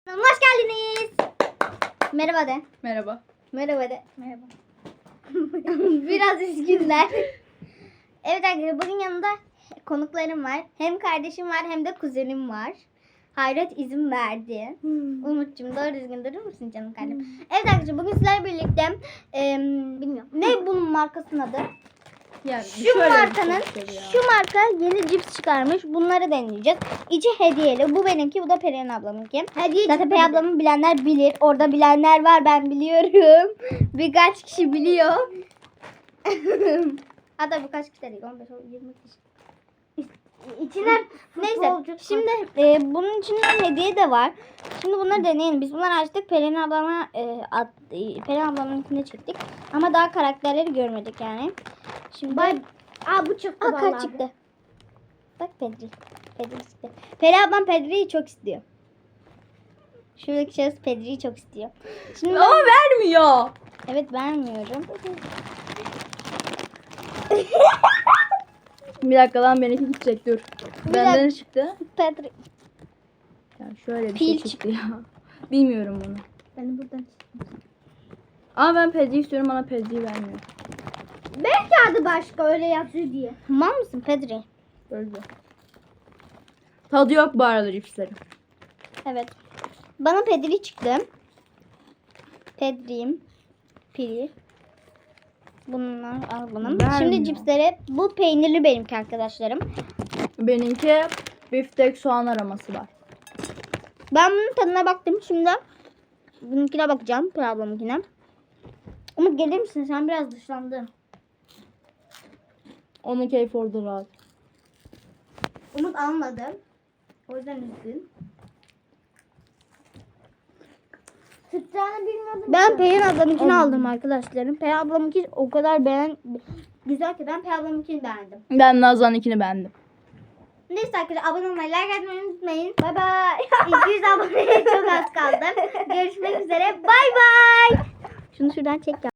Hoş geldiniz. Merhaba de. Merhaba. Merhaba de. Merhaba. Biraz üzgünler. Evet arkadaşlar, bugün yanımda konuklarım var. Hem kardeşim var hem de kuzenim var. Hayret izin verdi. Umut'cum doğru düzgün durur musun canım kardeşim? Evet arkadaşlar, bugün sizlerle birlikte bilmiyorum. Ne bunun markasının adı? Yani Şu markanın, şu marka yeni cips çıkarmış. Bunları deneyeceğiz. İçi hediyeli. Bu benimki, bu da Perihan ablamınki. Hediye. Zaten Perihan ablamın bilenler bilir. Orada bilenler var, ben biliyorum. Birkaç kişi biliyor. Hatta birkaç kişi değil, 15 20 kişi. İçine neyse. Şimdi bunun içinde hediye de var. Şimdi bunları deneyelim. Biz bunları açtık. Perihan ablama Perihan ablamınkini çektik. Ama daha karakterleri görmedik yani. Şimdi bu çıktı vallahi. Kaç çıktı? Bak Pedri. Pedri çıktı. Peri ablam Pedri'yi çok istiyor. Şuradaki şahıs Pedri'yi çok istiyor. Şimdi Ama vermiyor. evet, vermiyorum. Bir dakika lan, benimki gidecek, dur. Benden ne çıktı? Pedri. Yani şöyle bir Pil şey çıktı ya. Bilmiyorum bunu. Ben buradan. Ama ben Pedri istiyorum, bana Pedri vermiyor. Belki adı başka, öyle yazıyor diye. Tamam mısın Pedri? Böyle. Tadı yok bu arada cipslerin. Evet. Bana Pedri çıktı. Pedri'yim. Piri. Bunlar al bunu. Vermiyor. Şimdi cipsleri, bu peynirli benimki arkadaşlarım. Benimki biftek soğan aroması var. Ben bunun tadına baktım. Şimdi bununkine bakacağım. Peri ablamınkine. Umut gelir misin? Sen biraz dışlandın. Onun keyfi orada rahat. Umut almadı. O yüzden üzgün. Tutacağını bilmiyordum. Ben Peri ablamınkini aldım arkadaşlarım. Peri ablamınki o kadar güzel ki ben Peri ablamınkini beğendim. Ben Nazan'ınkini beğendim. Neyse arkadaşlar, abone olmayı, like atmayı unutmayın. Bay bay. 200 aboneye çok az kaldı. Görüşmek üzere. Bay bay. Şunu şuradan çek ya.